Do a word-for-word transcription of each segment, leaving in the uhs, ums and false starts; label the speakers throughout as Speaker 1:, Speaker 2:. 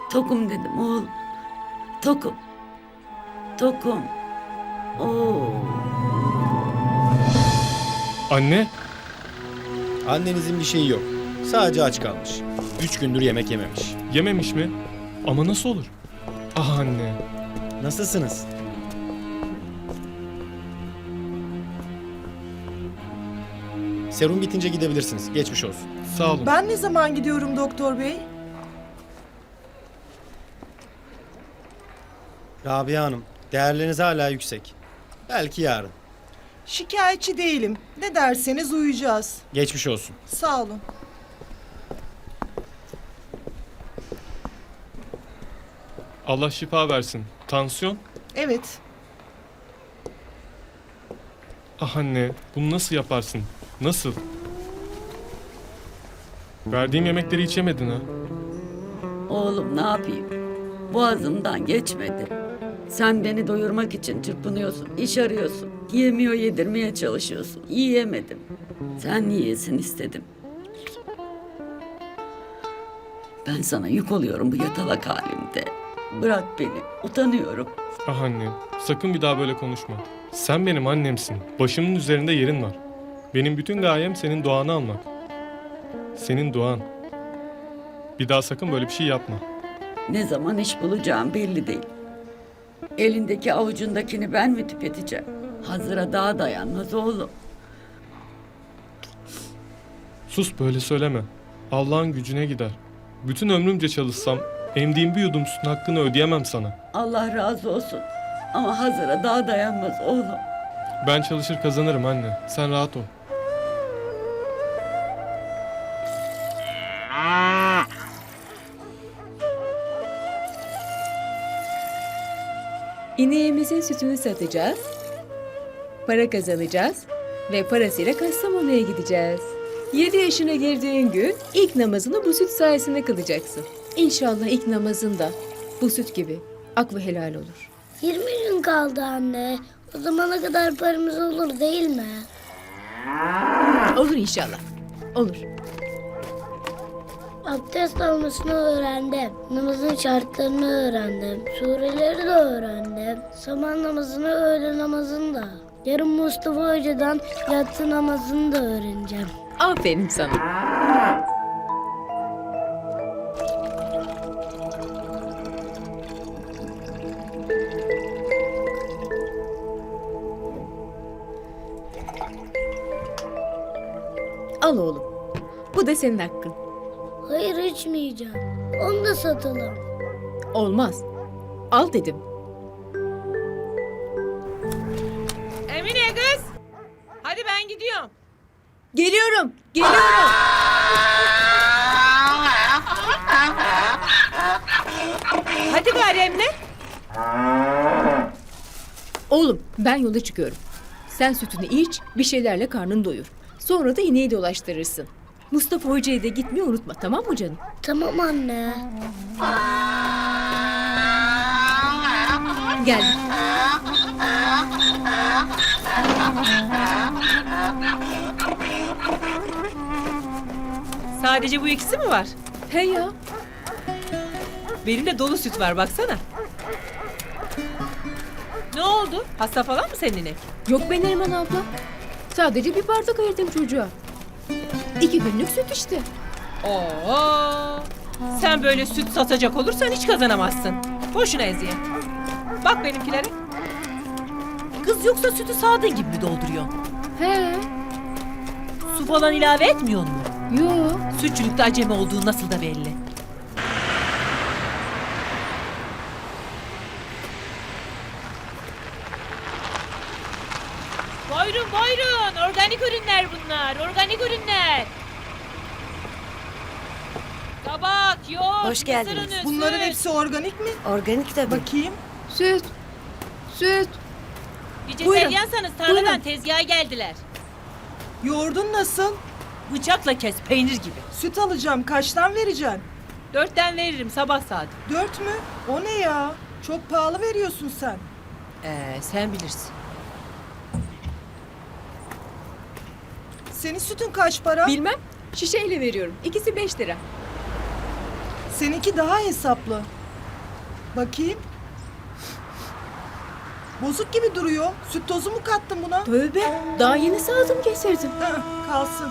Speaker 1: Tokum dedim oğlum. Tokum. Tokum. Oo.
Speaker 2: Anne,
Speaker 3: Annenizin bir şeyi yok. Sadece aç kalmış. Üç gündür yemek yememiş.
Speaker 2: yememiş mi? Ama nasıl olur? Ah anne.
Speaker 3: Nasılsınız? Serum bitince gidebilirsiniz. Geçmiş olsun.
Speaker 2: Sağ olun.
Speaker 4: Ben ne zaman gidiyorum doktor bey?
Speaker 3: Rabia Hanım, değerleriniz hala yüksek. Belki yarın.
Speaker 4: Şikayetçi değilim. Ne derseniz uyuyacağız.
Speaker 3: Geçmiş olsun.
Speaker 4: Sağ olun.
Speaker 2: Allah şifa versin. Tansiyon?
Speaker 4: Evet.
Speaker 2: Ah anne, bunu nasıl yaparsın? Nasıl? Verdiğim yemekleri hiç yemedin ha.
Speaker 1: Oğlum ne yapayım? Boğazımdan geçmedi. Sen beni doyurmak için çırpınıyorsun, iş arıyorsun. Yemiyor yedirmeye çalışıyorsun. Yiyemedim. Sen yiyesin istedim. Ben sana yük oluyorum bu yatalak halimde. Bırak beni, utanıyorum.
Speaker 2: Ah anne, sakın bir daha böyle konuşma. Sen benim annemsin. Başımın üzerinde yerin var. Benim bütün gayem senin duanı almak. Senin duan. Bir daha sakın böyle bir şey yapma.
Speaker 1: Ne zaman iş bulacağım belli değil. Elindeki avucundakini ben mi tüketeceğim? Hazıra daha dayanmaz oğlum.
Speaker 2: Sus böyle söyleme. Allah'ın gücüne gider. Bütün ömrümce çalışsam emdiğim bir yudum sütün hakkını ödeyemem sana.
Speaker 1: Allah razı olsun. Ama hazıra daha dayanmaz oğlum.
Speaker 2: Ben çalışır kazanırım anne. Sen rahat ol.
Speaker 5: İneğimizin sütünü satacağız, para kazanacağız ve parasıyla Kastamonu'ya gideceğiz. Yedi yaşına girdiğin gün ilk namazını bu süt sayesinde kılacaksın. İnşallah ilk namazın da bu süt gibi ak ve helal olur.
Speaker 6: yirmi gün kaldı anne. O zamana kadar paramız olur değil mi?
Speaker 5: Olur inşallah, olur.
Speaker 6: Abdest almasını öğrendim. Namazın şartlarını öğrendim. Sureleri de öğrendim. Sabah namazını, öğle namazını da. Yarın Mustafa Hoca'dan yatsı namazını da öğreneceğim.
Speaker 5: Aferin sana. Al oğlum. Bu da senin hakkın.
Speaker 6: Hayır içmeyeceğim. Onu da satalım.
Speaker 5: Olmaz. Al dedim.
Speaker 7: Emine kız. Hadi ben gidiyorum.
Speaker 5: Geliyorum, geliyorum.
Speaker 7: Hadi gari Emine.
Speaker 5: Oğlum ben yola çıkıyorum. Sen sütünü iç, bir şeylerle karnını doyur. Sonra da ineği dolaştırırsın. Mustafa Hoca'ya da gitmeyi unutma, tamam mı canım?
Speaker 6: Tamam anne.
Speaker 5: Gel.
Speaker 7: Sadece bu ikisi mi var?
Speaker 5: He ya.
Speaker 7: Benim de dolu süt var baksana. Ne oldu? Hasta falan mı senin inek?
Speaker 5: Yok be Neriman abla. Sadece bir bardak ayırdım çocuğa. İki günlük süt işte.
Speaker 7: Oo. Sen böyle süt satacak olursan hiç kazanamazsın. Boşuna eziyet. Bak benimkilere. Kız yoksa sütü sağdığın gibi mi dolduruyorsun?
Speaker 5: He.
Speaker 7: Su falan ilave etmiyor mu?
Speaker 5: Yo.
Speaker 7: Sütçülükte acemi olduğu nasıl da belli. Buyurun buyurun. Organik ürünler bunlar. Organik ürünler. Kabak, yoğurt,
Speaker 8: Hoş geldiniz.
Speaker 7: mısır unu,
Speaker 4: Bunların
Speaker 7: süt.
Speaker 4: hepsi organik mi?
Speaker 8: Organik tabii.
Speaker 4: Bakayım.
Speaker 5: Süt. Süt.
Speaker 7: Vejeteryansanız tarladan
Speaker 5: Buyurun.
Speaker 7: tezgaha geldiler.
Speaker 4: Yoğurdun nasıl?
Speaker 7: Bıçakla kes peynir gibi.
Speaker 4: Süt alacağım. Kaçtan vereceksin?
Speaker 7: Dörtten veririm sabah saat.
Speaker 4: Dört mü? O ne ya? Çok pahalı veriyorsun sen.
Speaker 7: Ee, sen bilirsin.
Speaker 4: Senin sütün kaç para?
Speaker 5: Bilmem. Şişeyle veriyorum. İkisi beş lira.
Speaker 4: Seninki daha hesaplı. Bakayım. Bozuk gibi duruyor. Süt tozu mu kattın buna?
Speaker 5: Tövbe, daha yeni sağdım getirdim.
Speaker 4: Ha, kalsın.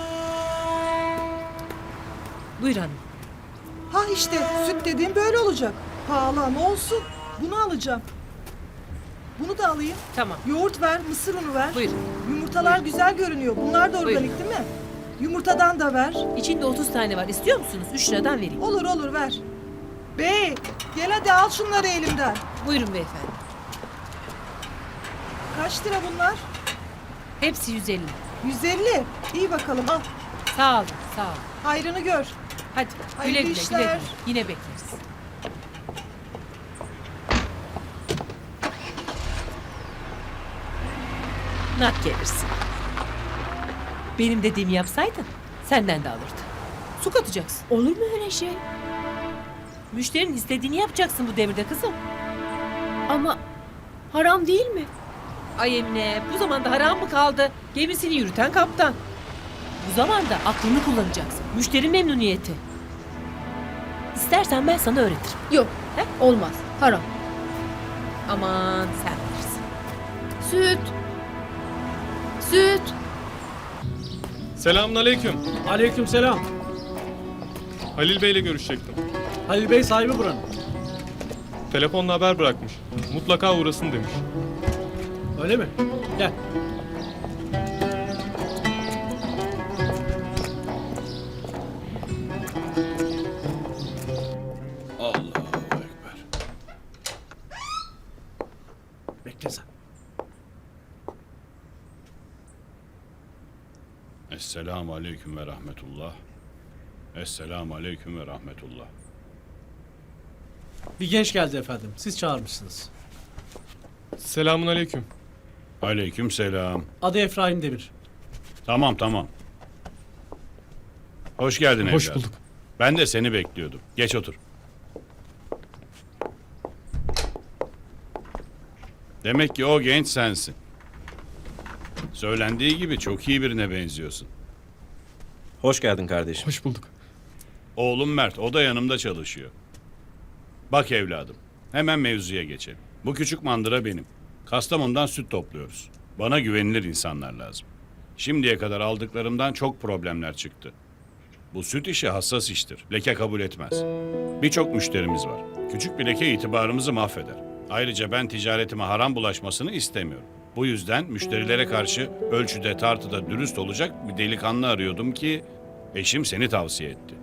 Speaker 7: Buyur hanım.
Speaker 4: Ha işte süt dediğim böyle olacak. Pahalı ama olsun. Bunu alacağım. Bunu da alayım.
Speaker 7: Tamam.
Speaker 4: Yoğurt ver, mısır unu ver.
Speaker 7: Buyur.
Speaker 4: Yumurtalar güzel görünüyor. Bunlar da organik
Speaker 7: Buyurun.
Speaker 4: değil mi? Yumurtadan da ver.
Speaker 7: İçinde otuz tane var. İstiyor musunuz? üç liradan vereyim.
Speaker 4: Olur olur ver. Bey gel hadi al şunları elimden.
Speaker 7: Buyurun beyefendi.
Speaker 4: Kaç lira bunlar?
Speaker 7: Hepsi yüz elli.
Speaker 4: yüz elli. İyi bakalım al.
Speaker 7: Sağ olun, sağ olun.
Speaker 4: Hayrını gör.
Speaker 7: Hadi
Speaker 4: Hayırlı
Speaker 7: güle güle,
Speaker 4: işler.
Speaker 7: güle güle. Yine bekleriz. Nak gelirsin. Benim dediğimi yapsaydın senden de alırdı. Su katacaksın.
Speaker 5: Olur mu öyle şey?
Speaker 7: Müşterinin istediğini yapacaksın bu devirde kızım.
Speaker 5: Ama haram değil mi?
Speaker 7: Ay Emine, bu zamanda haram mı kaldı? Gemisini yürüten kaptan. Bu zamanda aklını kullanacaksın. Müşteri memnuniyeti. İstersen ben sana öğretirim.
Speaker 5: Yok,
Speaker 7: He?
Speaker 5: olmaz. Haram.
Speaker 7: Aman sen bilirsin.
Speaker 5: Süt. Süt.
Speaker 2: Selamünaleyküm.
Speaker 8: Aleykümselam.
Speaker 2: Halil Bey'le görüşecektim.
Speaker 8: Halil Bey sahibi buranın.
Speaker 2: Telefonla haber bırakmış. Mutlaka uğrasın demiş.
Speaker 8: Öyle mi? Gel.
Speaker 9: Allahu Ekber.
Speaker 8: Bekle sen.
Speaker 9: Esselamu Aleyküm ve Rahmetullah. Esselamu Aleyküm ve Rahmetullah.
Speaker 8: Bir genç geldi efendim. Siz çağırmışsınız.
Speaker 2: Selamünaleyküm.
Speaker 9: Aleyküm selam.
Speaker 8: Adı Efraim Demir.
Speaker 9: Tamam tamam. Hoş geldin
Speaker 2: Hoş
Speaker 9: evladım.
Speaker 2: bulduk.
Speaker 9: Ben de seni bekliyordum. Geç otur. Demek ki o genç sensin. Söylendiği gibi çok iyi birine benziyorsun.
Speaker 3: Hoş geldin kardeşim.
Speaker 2: Hoş bulduk.
Speaker 9: Oğlum Mert, o da yanımda çalışıyor. Bak evladım, hemen mevzuya geçelim. Bu küçük mandıra benim. Kastamonu'dan süt topluyoruz. Bana güvenilir insanlar lazım. Şimdiye kadar aldıklarımdan çok problemler çıktı. Bu süt işi hassas iştir. Leke kabul etmez. Birçok müşterimiz var. Küçük bir leke itibarımızı mahveder. Ayrıca ben ticaretime haram bulaşmasını istemiyorum. Bu yüzden müşterilere karşı ölçüde tartıda dürüst olacak bir delikanlı arıyordum ki eşim seni tavsiye etti.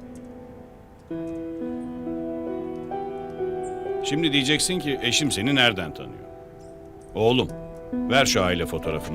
Speaker 9: Şimdi diyeceksin ki eşim seni nereden tanıyor? Oğlum, ver şu aile fotoğrafını.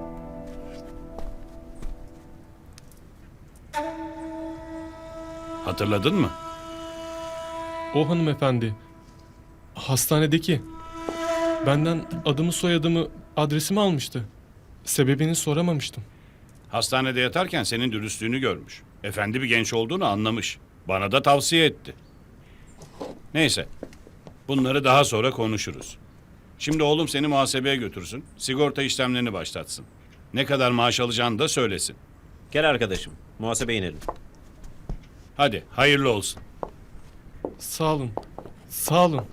Speaker 9: Hatırladın mı?
Speaker 2: O hanımefendi. Hastanedeki. Benden adımı soyadımı adresimi almıştı. Sebebini soramamıştım.
Speaker 9: Hastanede yatarken senin dürüstlüğünü görmüş. Efendi bir genç olduğunu anlamış. Bana da tavsiye etti. Neyse. Bunları daha sonra konuşuruz. Şimdi oğlum seni muhasebeye götürsün. Sigorta işlemlerini başlatsın. Ne kadar maaş alacağını da söylesin.
Speaker 3: Gel arkadaşım. Muhasebeye inelim.
Speaker 9: Hadi hayırlı olsun.
Speaker 2: Sağ olun. Sağ olun.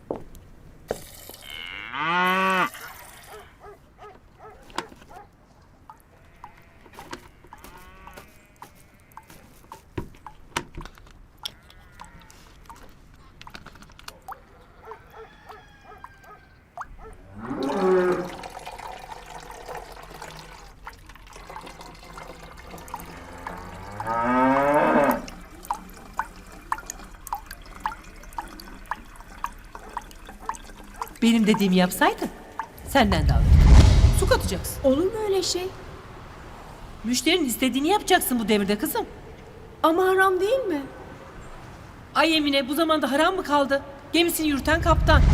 Speaker 7: Benim dediğimi yapsaydın senden de alırdı. Su katacaksın.
Speaker 5: Olur mu öyle şey?
Speaker 7: Müşterinin istediğini yapacaksın bu devirde kızım.
Speaker 5: Ama haram değil mi?
Speaker 7: Ay Emine, bu zamanda haram mı kaldı? Gemisini yürüten kaptan.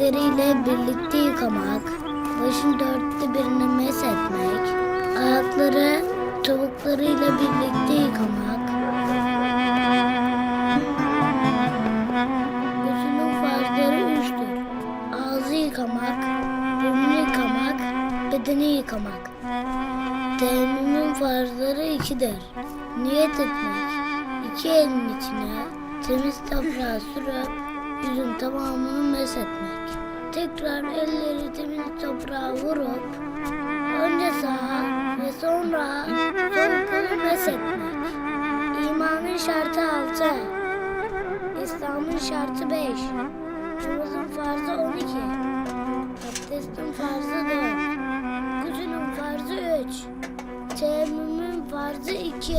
Speaker 6: elleriyle birlikte yıkamak, başın dörtte birini meshetmek, ayakları topuklarıyla birlikte yıkamak, gözünün farzları üçtür. Ağzı yıkamak, burnunu yıkamak, bedeni yıkamak. Teyemmümün farzları ikidir. Niyet etmek, iki elin içine temiz toprağı sürüp yüzün tamamını meshetmek. Tekrar elleri temiz toprağa vurup önce sağa ve sonra sol kolu meshetmek. İmanın şartı altı, İslam'ın şartı beş, namazın farzı on iki, abdestin farzı dört, gusülün farzı üç, teyemmümün farzı iki.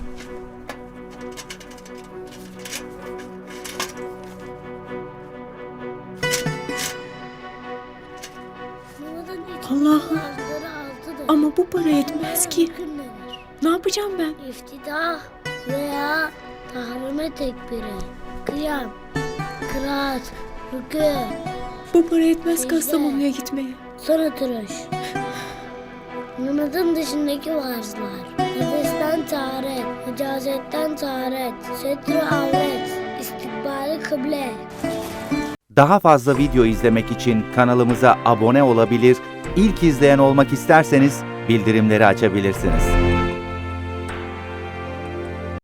Speaker 5: Allah'ım, ama bu para yetmez ki. Ne yapacağım ben?
Speaker 6: İftitah veya tahrime tekbiri, kıyam, kıraat, rükû,
Speaker 5: Bu para yetmez Kastamonu'ya gitmeye.
Speaker 6: son oturuş. Namazın dışındaki varzlar, nefesten taharet, icazetten taharet, setr-i avret, istikbali kıble.
Speaker 10: Daha fazla video izlemek için kanalımıza abone olabilir, ilk izleyen olmak isterseniz bildirimleri açabilirsiniz.